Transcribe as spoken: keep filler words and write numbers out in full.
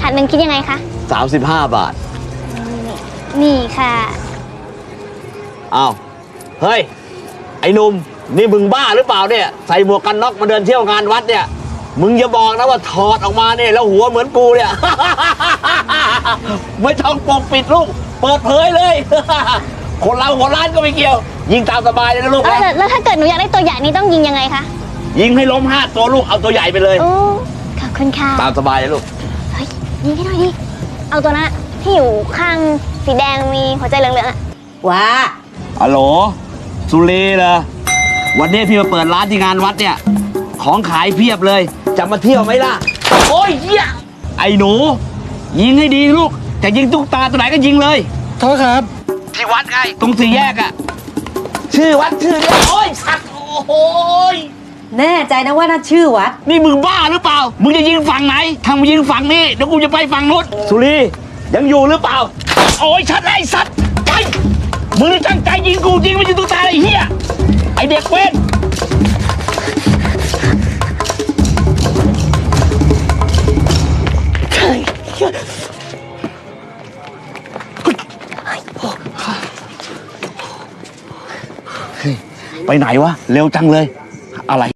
ถาดหนึ่งคิดยังไงคะสามสิบห้าบาทนี่ค่ะอ้าวเฮ้ยไอ้หนุ่มนี่มึงบ้าหรือเปล่าเนี่ยใส่หมวกกันน็อกมาเดินเที่ยวงานวัดเนี่ยมึงอย่าบอกนะว่าถอดออกมาเนี่ยแล้วหัวเหมือนกูเนี่ย ไม่ต้องปกปิดลูกเปิดเผยเลย คนเราหัวล้านก็ไม่เกี่ยวยิงตามสบายเลยนะลูกนะแล้วถ้าเกิดหนูอยากได้ตัวใหญ่นี่ต้องยิงยังไงคะยิงให้ล้มห้าตัวลูกเอาตัวใหญ่ไปเลยโอ้ขอบคุณค่ะตามสบายเลยลูกเฮ้ยยิงให้หน่อยดิเอาตัวนั้นที่อยู่ข้างสีแดงมีหัวใจเหลืองๆอะว้าฮัลโหลสุรีเหรอวันนี้พี่มาเปิดร้านที่งานวัดเนี่ยของขายเพียบเลยจะมาเที่ยวไหมล่ะโอ้ยเหี้ยไอ้หนูยิงให้ดีลูกจะยิงตุ๊กตาตัวไหนก็ยิงเลยโทษครับที่วัดไงตรงสี่แยกอะชื่อวัดชื่อเดียวโอ้ยสัตว์โอ้ยแน่ใจนะว่าน่าชื่อวัดนี่มึงบ้าหรือเปล่ามึงจะยิงฝั่งไหนทางมึงยิงฝั่งนี้เดี๋ยวกูจะไปฝั่งนู้นสุรียังอยู่หรือเปล่าโอ้ยชัดไอ้สัตว์ไปมึงตั้งใจยิงกูยิงไม่ยิงตุ๊กตาไอ้เหี้ยไอเด็กเว้นไปไหนวะเร็วจังเลยอะไร